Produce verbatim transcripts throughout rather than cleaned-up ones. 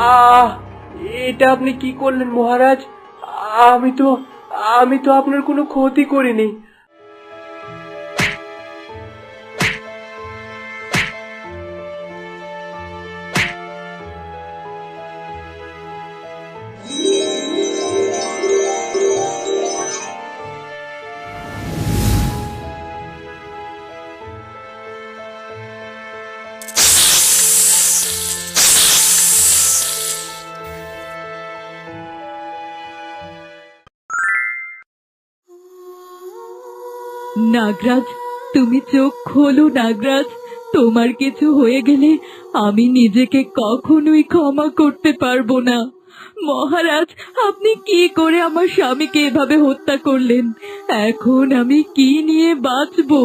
আহ এটা আপনি কি করলেন মহারাজ? আমি তো আমি তো আপনার কোনো ক্ষতি করিনি। নাগরাজ, তুমি চোখ খোলো নাগরাজ। তোমার কিছু হয়ে গেলে আমি নিজেকে কখনোই ক্ষমা করতে পারবো না। মহারাজ, আপনি কি করে আমার স্বামীকে এভাবে হত্যা করলেন? এখন আমি কি নিয়ে বাঁচবো?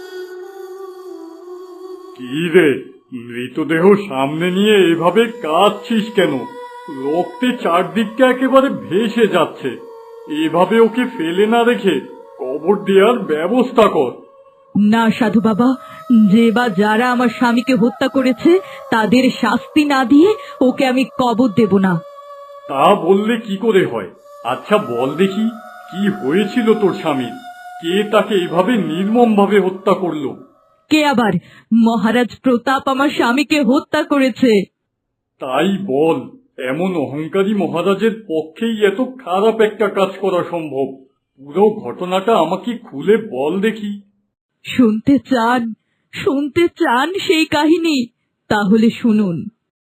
কি রে, মৃতদেহ সামনে নিয়ে এভাবে কাঁদছিস কেন? রক্তে চারদিকটা একেবারে ভেসে যাচ্ছে। এভাবে ওকে ফেলে না রেখে কবর দেওয়ার ব্যবস্থা কর। না সাধু বাবা, যে বা যারা আমার স্বামীকে হত্যা করেছে তাদের শাস্তি না দিয়ে ওকে আমি কবর দেব না। তা বললে কি করে হয়? আচ্ছা বল দেখি, কি হয়েছিল তোর স্বামীর? কে তাকে এভাবে নির্মম ভাবে হত্যা করলো? কে আবার? মহারাজ প্রতাপ আমার স্বামীকে হত্যা করেছে। তাই বল, এমন অহংকারী মহারাজের পক্ষেই এত খারাপ একটা কাজ করা সম্ভব? পুরো ঘটনাটা আমাকে খুলে বল দেখি। শুনতে চান? শুনতে চান সেই কাহিনী? তাহলে শুনুন।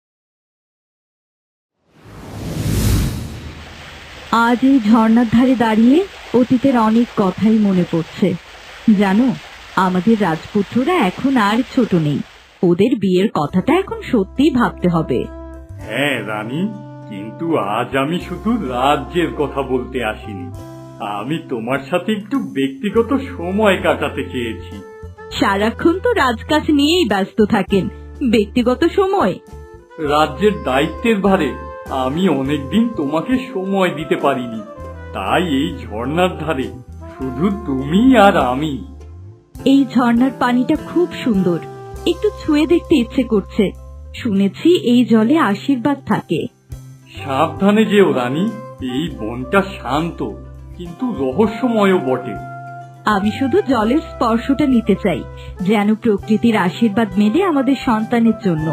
আজ এই ঝর্ণার ধারে দাঁড়িয়ে অতীতের অনেক কথাই মনে পড়ছে। জানো, আমাদের রাজপুত্ররা এখন আর ছোট নেই। ওদের বিয়ের কথাটা এখন সত্যিই ভাবতে হবে। হ্যাঁ রানী, কিন্তু আজ আমি শুধু রাজ্যের কথা বলতে আসিনি। আমি তোমার সাথে একটু ব্যক্তিগত সময় কাটাতে চেয়েছি। সারাক্ষণ তো রাজকাজ নিয়েই ব্যস্ত থাকেন, ব্যক্তিগত সময়? রাজ্যের দায়িত্বের ভারে আমি অনেকদিন তোমাকে সময় দিতে পারিনি, তাই এই ঝর্ণার ধারে শুধু তুমি আর আমি। এই ঝর্ণার পানিটা খুব সুন্দর, একটু ছুঁয়ে দেখতে ইচ্ছে করছে। শুনেছি এই জলে আশীর্বাদ থাকে। সাবধানে যেও রানী, এই বনটা শান্ত কিন্তু রহস্যময়ও বটে। আমি শুধু জলের স্পর্শটা নিতে চাই, যেন প্রকৃতির আশীর্বাদ মেলে আমাদের সন্তানের জন্য।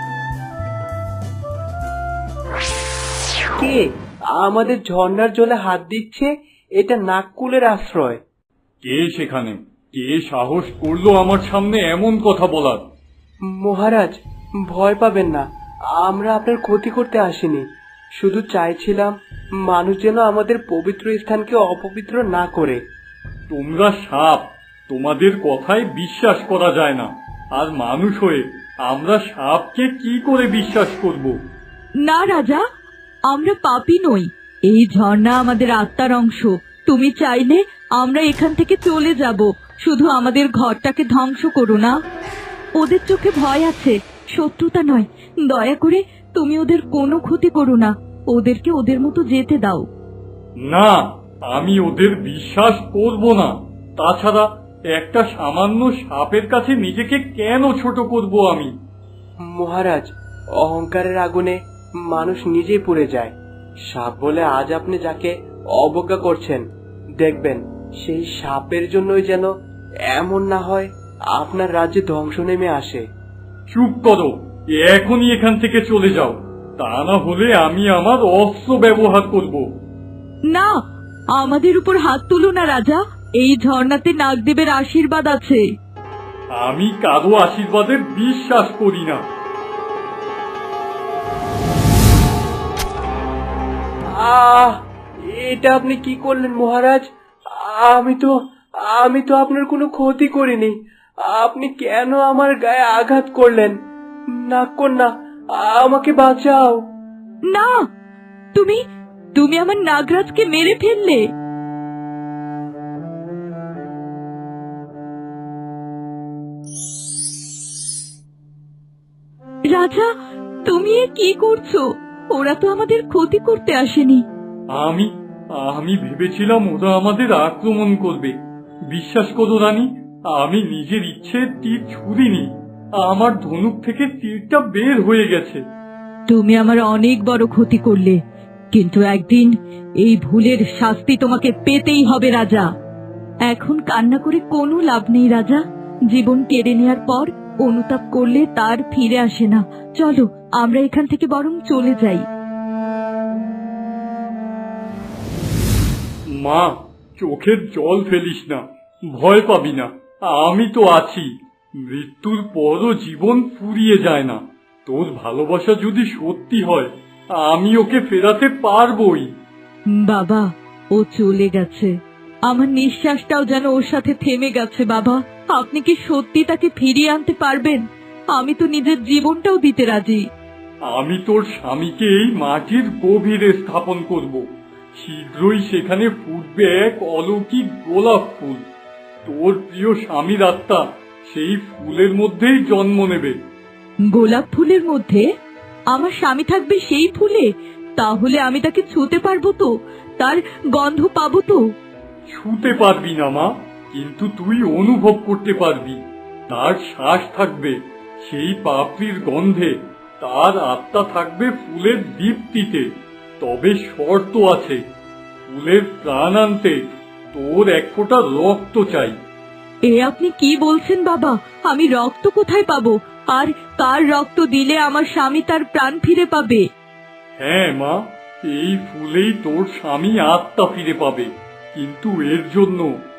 কে আমাদের ঝর্ণার জলে হাত দিচ্ছে? এটা নাককুলের আশ্রয়। কে সেখানে? কে সাহস করলো আমার সামনে এমন কথা বলার? মহারাজ, ভয় পাবেন না, আমরা আপনার ক্ষতি করতে আসিনি। শুধু চাইছিলাম মানুষ যেন আমাদের পবিত্র স্থানকে অপবিত্র না করে। তোমরা সাপ, তোমাদের কথায় বিশ্বাস করা যায় না। আর মানুষ হয়ে আমরা সাপকে কি করে বিশ্বাস করব? না রাজা, আমরা পাপী নই। এই ঝর্ণা আমাদের আত্মার অংশ। তুমি চাইলে আমরা এখান থেকে চলে যাব, শুধু আমাদের ঘরটাকে ধ্বংস করো না। ওদের চোখে ভয় আছে, শত্রুতা নয়। দয়া করে তুমি ওদের কোনো ক্ষতি করো না, ওদেরকে ওদের মতো যেতে দাও। না, আমি ওদের বিশ্বাস করব না। তাছাড়া একটা সামান্য সাপের কাছে নিজেকে কেন ছোট করব আমি? মহারাজ, অহংকারের আগুনে মানুষ নিজেই পুড়ে যায়। সাপ বলে আজ আপনি যাকে অবজ্ঞা করছেন, দেখবেন সেই সাপের জন্যই যেন এমন না হয় আপনার রাজ্যে ধ্বংস নেমে আসে। চুপ করো, এখনই এখান থেকে চলে যাও, তা না হলে আমি আমার অস্ত্র ব্যবহার করব। না, আমাদের উপর হাত তুলো না রাজা, এই ঝর্ণাতে নাগদেবের আশীর্বাদ আছে। আমি কারো আশীর্বাদে বিশ্বাস করি না। আহ এটা আপনি কি করলেন মহারাজ? আমি তো আমি তো আপনার কোনো ক্ষতি করিনি। আপনি কেন আমার গায়ে আঘাত করলেন? না কন্যা, আমাকে বাঁচাও। না, তুমি তুমি আমার নাগরাজকে মেরে ফেললে। রাজা, তুমি এ কি করছো? ওরা তো আমাদের ক্ষতি করতে আসেনি। আমি আমি ভেবেছিলাম ওরা আমাদের আক্রমণ করবে। বিশ্বাস করো রানী, আমি নিজের ইচ্ছে তীর ছুঁড়িনি। আমার ধনুক থেকে তীরটা বের হয়ে গেছে। তুমি আমার অনেক বড় ক্ষতি করলে, কিন্তু একদিন এই ভুলের শাস্তি তোমাকে পেতেই হবে রাজা। এখন কান্না করে কোনো লাভ নেই রাজা। জীবন কেড়ে নেওয়ার পর অনুতাপ করলে তার ফিরে আসে না। চলো আমরা এখান থেকে বরং চলে যাই। মা, চোখের জল ফেলিস না, ভয় পাবি না, আমি তো আছি। মৃত্যুর পরও জীবন ফুরিয়ে যায় না। তোর ভালোবাসা যদি সত্যি হয়, আমি ওকে ফেরাতে পারবই। বাবা, ও চলে গেছে, আমার নিঃশ্বাসটাও যেন ওর সাথে থেমে গেছে। বাবা, আপনি কি সত্যি তাকে ফিরিয়ে আনতে পারবেন? আমি তো নিজের জীবনটাও দিতে রাজি। আমি তোর স্বামীকে এই মাটির গভীরে স্থাপন করব। শীঘ্রই সেখানে ফুটবে এক অলৌকিক গোলাপ ফুল। তোর প্রিয় স্বামীর আত্মা সেই ফুলের মধ্যেই জন্ম নেবে। গোলাপ ফুলের মধ্যে আমার স্বামী থাকবে সেই ফুলে? তাহলে আমি তাকে ছুঁতে পারবো তো? তার গন্ধ পাবো তো? ছুঁতে পারবি না মা, কিন্তু তুই অনুভব করতে পারবি। তার শ্বাস থাকবে সেই পাপড়ির গন্ধে, তার আত্মা থাকবে ফুলের দীপ্তিতে। তবে শর্ত আছে, ফুলের প্রাণ আনতে তোর এক ফোঁটা রক্ত চাই। এ আপনি কি বলছেন বাবা? আমি রক্ত কোথায় পাবো? আর কার রক্ত দিলে আমার স্বামী তার প্রাণ ফিরে পাবে? হ্যাঁ মা, এই ফুলেই তোর স্বামী আত্মা ফিরে পাবে। কিন্তু এর জন্য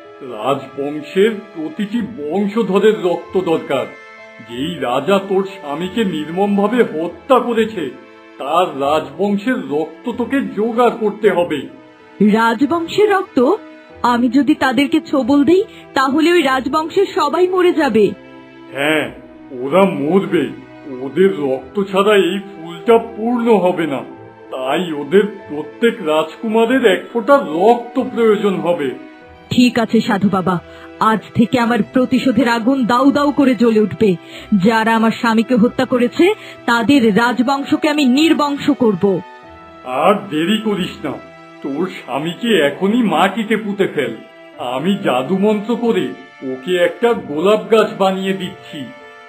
রাজবংশের প্রতিটি বংশধরের রক্ত দরকার। যেই রাজা তোর স্বামীকে নির্মমভাবে হত্যা করেছে, তার রাজবংশের রক্ত তোকে জোগাড় করতে হবে। রাজবংশের রক্ত? আমি যদি তাদেরকে ছোবল দেই তাহলে ওই রাজবংশের সবাই মরে যাবে। হ্যাঁ, ওরা মরবে। ওদের রক্ত ছাড়া এই ফুলটা পূর্ণ হবে না। তাই ওদের প্রত্যেক রাজকুমারের এক ফোঁটা রক্ত প্রয়োজন হবে। ঠিক আছে সাধু বাবা, আজ থেকে আমার প্রতিশোধের আগুন দাউ দাউ করে জ্বলে উঠবে। যারা আমার স্বামীকে হত্যা করেছে তাদের রাজবংশকে আমি নির্বংশ করব। আর দেরি করিস না, তোর স্বামীকে এখনই মাটিতে পুঁতে ফেল। আমি জাদু মন্ত্র করে ওকে একটা গোলাপ গাছ বানিয়ে দিচ্ছি।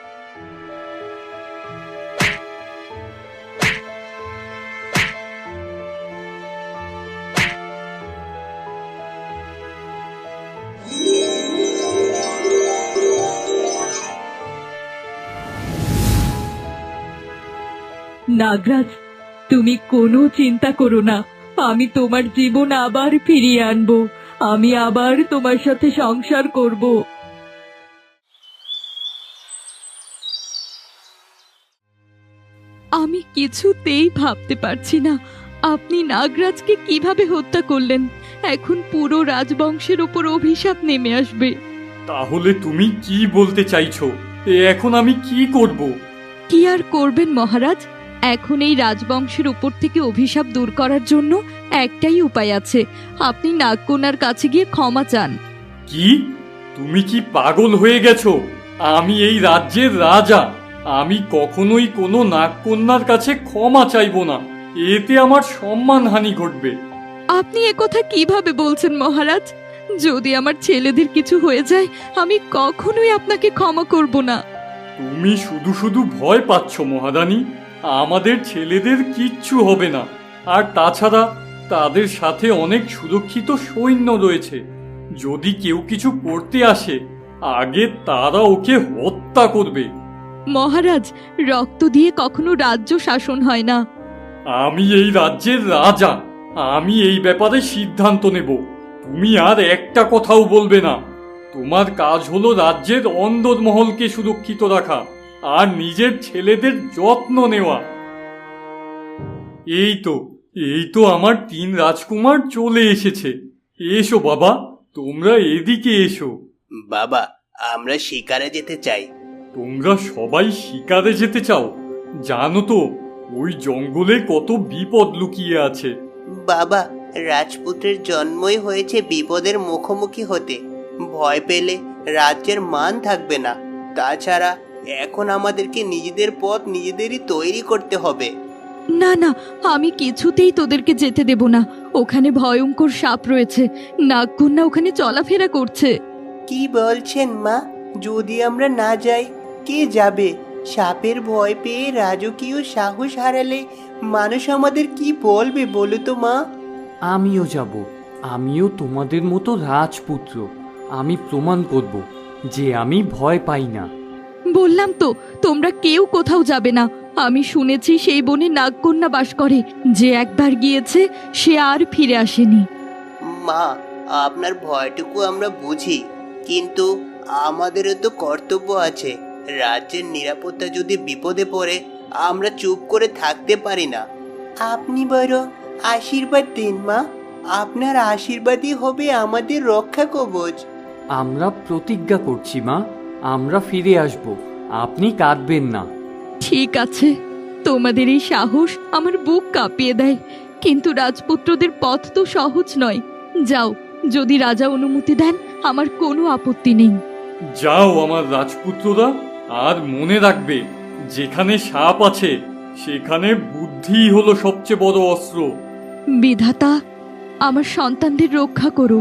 নাগরাজ, তুমি কোনো চিন্তা করো না, আমি তোমার জীবন আবার ফিরিয়ে আনবো। আমি আবার তোমার সাথে সংসার করব। আমি কিছুতেই ভাবতে পারছি না আপনি নাগরাজকে কিভাবে হত্যা করলেন। এখন পুরো রাজবংশের উপর অভিশাপ নেমে আসবে। তাহলে তুমি কি বলতে চাইছো? এখন আমি কি করব? কি আর করবেন মহারাজ, এখন এই রাজবংশের উপর থেকে অভিশাপ দূর করার জন্য একটাই উপায় আছে। আপনি নাগকন্যার কাছে গিয়ে ক্ষমা চান। কি? তুমি কি পাগল হয়ে গেছো? আমি এই রাজ্যের রাজা। আমি কখনোই কোনো নাগকন্যার কাছে ক্ষমা চাইবো না। এতে আমার সম্মানহানি ঘটবে। আপনি একথা কিভাবে বলছেন মহারাজ? যদি আমার ছেলেদের কিছু হয়ে যায় আমি কখনোই আপনাকে ক্ষমা করব না। তুমি শুধু শুধু ভয় পাচ্ছ মহারানী। আমাদের ছেলেদের কিচ্ছু হবে না। আর তাছাড়া তাদের সাথে অনেক সুরক্ষিত সৈন্য রয়েছে। যদি কেউ কিছু করতে আসে, আগে তারা ওকে হত্যা করবে। মহারাজ, রক্ত দিয়ে কখনো রাজ্য শাসন হয় না। আমি এই রাজ্যের রাজা। আমি এই ব্যাপারে সিদ্ধান্ত নেব। তুমি আর একটা কথাও বলবে না। তোমার কাজ হলো রাজ্যের অন্দরমহলকে সুরক্ষিত রাখা আর নিজের ছেলেদের যত্ন নেওয়া। এই তো এই তো আমার তিন রাজকুমার চলে এসেছে। এসো বাবা, তোমরা এদিকে এসো। বাবা, আমরা শিকারে যেতে চাই। তোমরা সবাই শিকারে যেতে চাও? জানো তো ওই জঙ্গলে কত বিপদ লুকিয়ে আছে। বাবা, রাজপুত্রের জন্মই হয়েছে বিপদের মুখোমুখি হতে। ভয় পেলে রাজ্যের মান থাকবে না। তাছাড়া এখন আমাদেরকে নিজেদের পথ নিজেদেরই তৈরি করতে হবে। না না, আমি কিছুতেই তোদেরকে যেতে দেব না। ওখানে ভয়ঙ্কর সাপ রয়েছে। নাগকন্যা ওখানে চলাফেরা করছে। কি বলছেন মা? যদি আমরা না যাই, কে যাবে? সাপের ভয় পেয়ে রাজকীয় সাহস হারালে মানুষ আমাদের কি বলবে বলো তো মা? আমিও যাব, আমিও তোমাদের মতো রাজপুত্র। আমি প্রমাণ করব যে আমি ভয় পাই না। বললাম তো তোমরা কেউ কোথাও যাবে না। আমি শুনেছি সেই বনে নাগকন্যা বাস করে, যে একবার গিয়েছে সে আর ফিরে আসেনি। মা, আপনার ভয়টুকু আমরা বুঝি, কিন্তু আমাদেরও তো কর্তব্য আছে। রাজ্যের নিরাপত্তা যদি বিপদে পড়ে আমরা চুপ করে থাকতে পারি না। আপনি বরং আশীর্বাদ দিন মা, আপনার আশীর্বাদই হবে আমাদের রক্ষা কবচ। আমরা প্রতিজ্ঞা করছি মা, আমরা ফিরে আসব, আপনি কাঁদবেন না। ঠিক আছে, তোমাদের এই সাহস আমার বুক কাঁপিয়ে দেয়, কিন্তু রাজপুত্রদের পথ তো সহজ নয়। যাও, যদি রাজা অনুমতি দেন আমার কোনো আপত্তি নেই। যাও আমার রাজপুত্ররা, আর মনে রাখবে যেখানে সাপ আছে সেখানে বুদ্ধি হলো সবচেয়ে বড় অস্ত্র। বিধাতা, আমার সন্তানদের রক্ষা করো।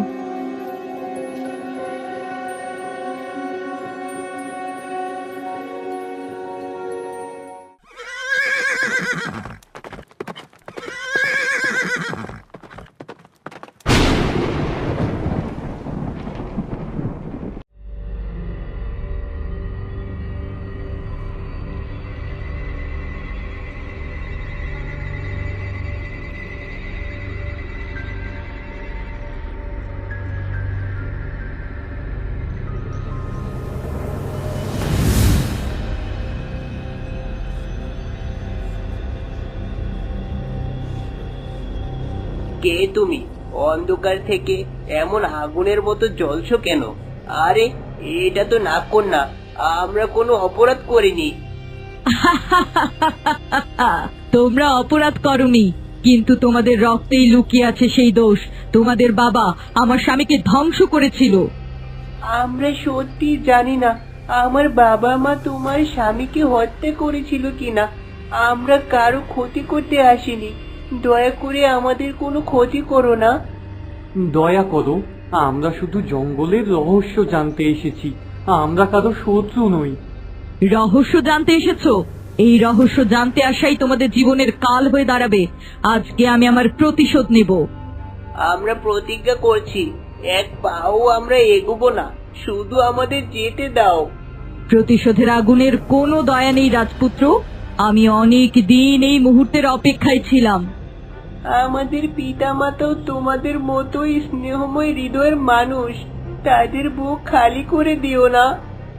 কে তুমি? অন্ধকার থেকে এমন আগুনের মতো জ্বলছো কেন? আরে, এটা তো নাগকন্যা, আমরা কোনো অপরাধ করিনি। তোমরা অপরাধ করনি, কিন্তু তোমাদের রক্তেই লুকিয়ে আছে সেই দোষ। তোমাদের বাবা আমার স্বামীকে ধ্বংস করেছিল। আমরা সত্যি জানি না আমার বাবা মা তোমার স্বামীকে হত্যা করেছিল কিনা। আমরা কারো ক্ষতি করতে আসিনি, দয়া করে আমাদের কোনো ক্ষতি করো না। দয়া করো, আমরা শুধু জঙ্গলের রহস্য জানতে এসেছি, আমরা কারো শত্রু নই। রহস্য জানতে এসেছো? এই রহস্য জানতে আসাই তোমাদের জীবনের কাল হয়ে দাঁড়াবে। আজকে আমি আমার প্রতিশোধ নেব। আমরা প্রতিজ্ঞা করছি, এক পাও আমরা এগোবো না, শুধু আমাদের যেতে দাও। প্রতিশোধের আগুনের কোনো দয়া নেই রাজপুত্র। আমি অনেক দিন এই মুহূর্তের অপেক্ষায় ছিলাম। আমাদের পিতামাতাও তোমাদের মতোই স্নেহময় হৃদয়ের মানুষ, তাদের বুক খালি করে দিও না।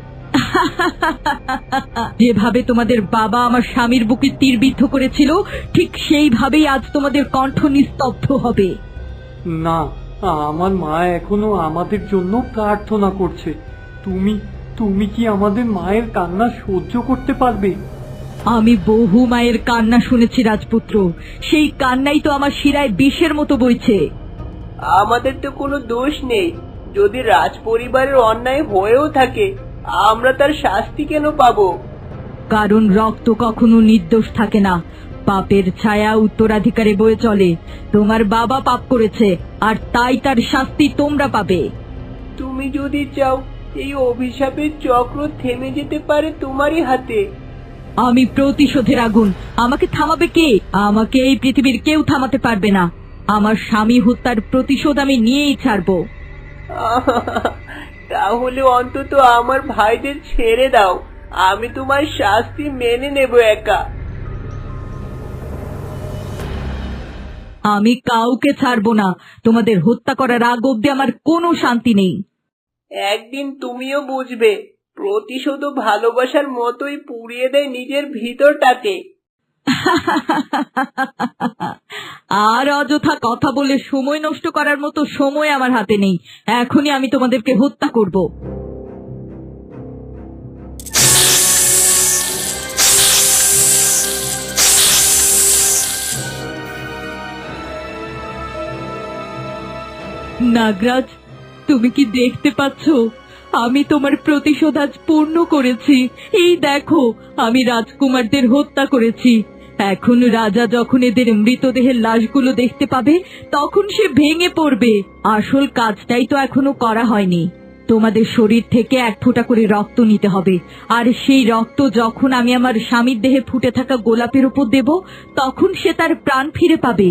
যেভাবে তোমাদের বাবা আমার স্বামীর বুকে তীরবিদ্ধ করেছিল, ঠিক সেইভাবেই আজ তোমাদের কণ্ঠ নিস্তব্ধ হবে। না, আমার মা এখনো আমাদের জন্য প্রার্থনা করছে। তুমি তুমি কি আমাদের মায়ের কান্না সহ্য করতে পারবে? আমি বহু মায়ের কান্না শুনেছি রাজপুত্র, সেই কান্নাই তো আমার শিরায় বিষের মতো বইছে। আমাদের তো কোনো দোষ নেই, যদি রাজ পরিবারের অন্যায় হয়েও থাকে আমরা তার শাস্তি কেন পাবো? কারণ রক্ত কখনো নির্দোষ থাকে না, পাপের ছায়া উত্তরাধিকারে বয়ে চলে। তোমার বাবা পাপ করেছে, আর তাই তার শাস্তি তোমরা পাবে। তুমি যদি চাও এই অভিশাপের চক্র থেমে যেতে পারে তোমারই হাতে। আমি প্রতিশোধের আগুন, আমাকে থামাবে কে? আমাকে এই পৃথিবীর কেউ থামাতে পারবে না। আমার স্বামী হত্যার প্রতিশোধ আমি নিয়েই ছাড়বো। তাহলে অন্তত আমার ভাইদের ছেড়ে দাও, আমি তোমার শাস্তি মেনে নেব একা। আমি কাউকে ছাড়বো না। তোমাদের হত্যা করার আগ অব্দি আমার কোনো শান্তি নেই। একদিন তুমিও বুঝবে, প্রতিশোধ ভালোবাসার মতোই পুড়িয়ে দেয় নিজের ভিতরটাকে। আর অযথা কথা বলে সময় নষ্ট করার মতো সময় আমার হাতে নেই। এখনই আমি তোমাদেরকে হত্যা করব। নাগরাজ, তুমি কি দেখতে পাচ্ছ? আমি তোমার প্রতিশোধ আজ পূর্ণ করেছি। এই দেখো, আমি রাজকুমারদের হত্যা করেছি। এখন রাজা যখন এদের মৃতদেহের লাশগুলো দেখতে পাবে, তখন সে ভেঙে পড়বে। আসল কাজটাই তো এখনো করা হয়নি। তোমাদের শরীর থেকে এক ফোঁটা করে রক্ত নিতে হবে, আর সেই রক্ত যখন আমি আমার স্বামীর দেহে ফুটে থাকা গোলাপের উপর দেব, তখন সে তার প্রাণ ফিরে পাবে।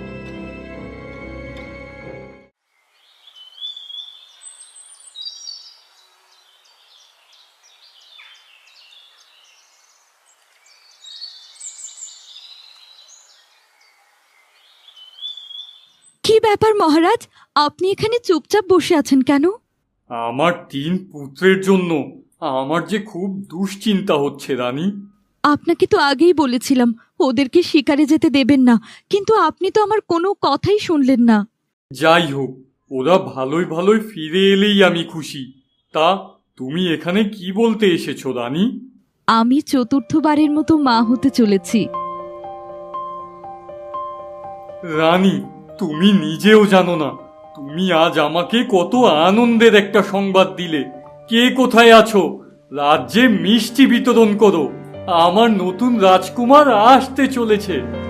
কি ব্যাপার মহারাজ, আপনি এখানে চুপচাপ বসে আছেন কেন? আমার তিন পুত্রের জন্য আমার যে খুব দুশ্চিন্তা হচ্ছে রানী। আপনাকে তো আগেই বলেছিলাম ওদেরকে শিকারে যেতে দেবেন না, কিন্তু আপনি তো আমার কোনো কথাই শুনলেন না। যাই হোক, ওরা ভালোই ভালোই ফিরে এলেই আমি খুশি। তা তুমি এখানে কি বলতে এসেছো রানী? আমি চতুর্থবারের মতো মা হতে চলেছি। রানী, তুমি নিজেও জানো না তুমি আজ আমাকে কত আনন্দের একটা সংবাদ দিলে। কে কোথায় আছো? রাজ্যে মিষ্টি বিতরণ করো, আমার নতুন রাজকুমার আসতে চলেছে।